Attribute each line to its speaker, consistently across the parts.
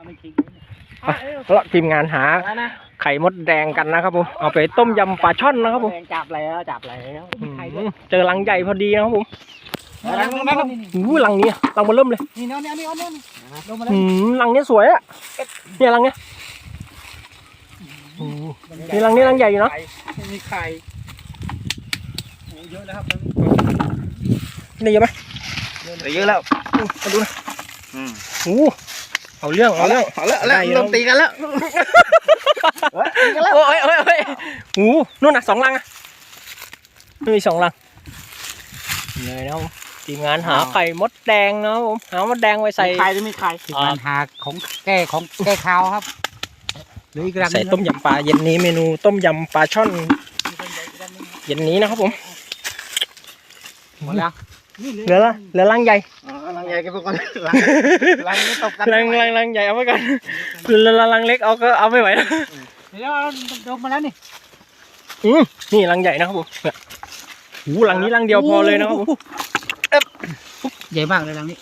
Speaker 1: แล้วทีมงานหาไข่มดแดงกันนะครับผมเอาไปต้มยำปลาช่อนนะครับผม
Speaker 2: จับแล้ว
Speaker 1: เจอรังใหญ่พอดีนะครับผมรังนี้รังมาเริ่มเลย
Speaker 2: นี่นี่นี่นี่
Speaker 1: รังนี้สวยอ่ะเนี่ยรังนี้นี่รังนี้รังใหญ่อยู่เนาะ
Speaker 2: มีไข่เยอะแล้วครับ
Speaker 1: นี่เยอะไหม
Speaker 2: เยอะแล้ว
Speaker 1: มาดูนะเอาเรื่องเ
Speaker 2: ริ่มตีกันแล้ว
Speaker 1: โอ้ยนู่นน่ะ2 รังอ่ะมี2 รังเลยนะทีมงานหาไข่มดแดงนะผมหามดแดงไว้ใส่
Speaker 2: ไข่จะมีไข่ทีมงานหาของแก้ขาวครับ
Speaker 1: ใส่ต้มยำปลาเย็นนี้เมนูต้มยำปลาช่อนเย็นนี้นะครับผม
Speaker 2: หมดแล้ว
Speaker 1: เหลือรังใหญ่
Speaker 2: รังใหญ่กันไปก่อนรังนี้ตกกัน
Speaker 1: รังใหญ่เอาไว้ก่อนรังเล็กเอาไม่ไหวแล้ว
Speaker 2: เดี๋ยวลงมาแล้วนี่
Speaker 1: นี่รังใหญ่นะครับผมรังนี้รังเดียวพอเลยนะครับผม
Speaker 2: ใหญ่มากเลยรังนี้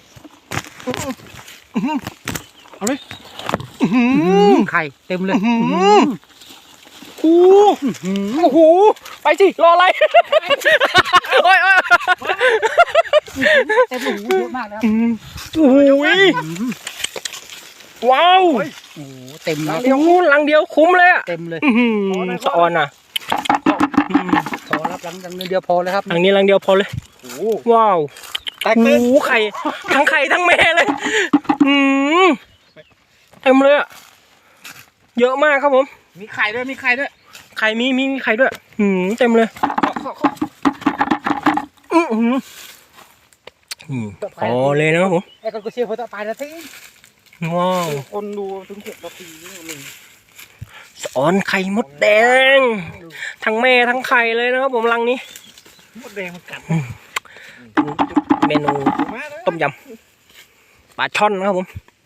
Speaker 1: เอาเลย
Speaker 2: ไข่เต็มเลย
Speaker 1: โอ้โหไปสิรออะไรโอ้ย
Speaker 2: เต็มหูเยอะมากแล้ว
Speaker 1: โอ้ยว้าว
Speaker 2: โอ้เต็ม
Speaker 1: แล้วรังเดียวคุ้มเลยอะ
Speaker 2: เต็มเลย
Speaker 1: สะออนอ่ะ
Speaker 2: พอรับรังเดียวพอเลยครับ
Speaker 1: รังนี้รังเดียวพอเลยว้าวโอ้โหไข่ทั้งแม่เลยเต็มเลยอะเยอะมากครับผม
Speaker 2: มีไข่ด้วย
Speaker 1: ไข่มีไข่ด้วยเต็มเลยพอเลยนะครับผม
Speaker 2: ไอ้คนก็เชียร์คนต่อไปนะที
Speaker 1: ว้าว
Speaker 2: คนดูถึง6 นาทีนี่
Speaker 1: สอนไข่มดแดงทั้งแม่ทั้งไข่เลยนะครับผมรังนี้
Speaker 2: มดแดงมันกัด
Speaker 1: เมนูต้มยำปลาช่อนนะครับผม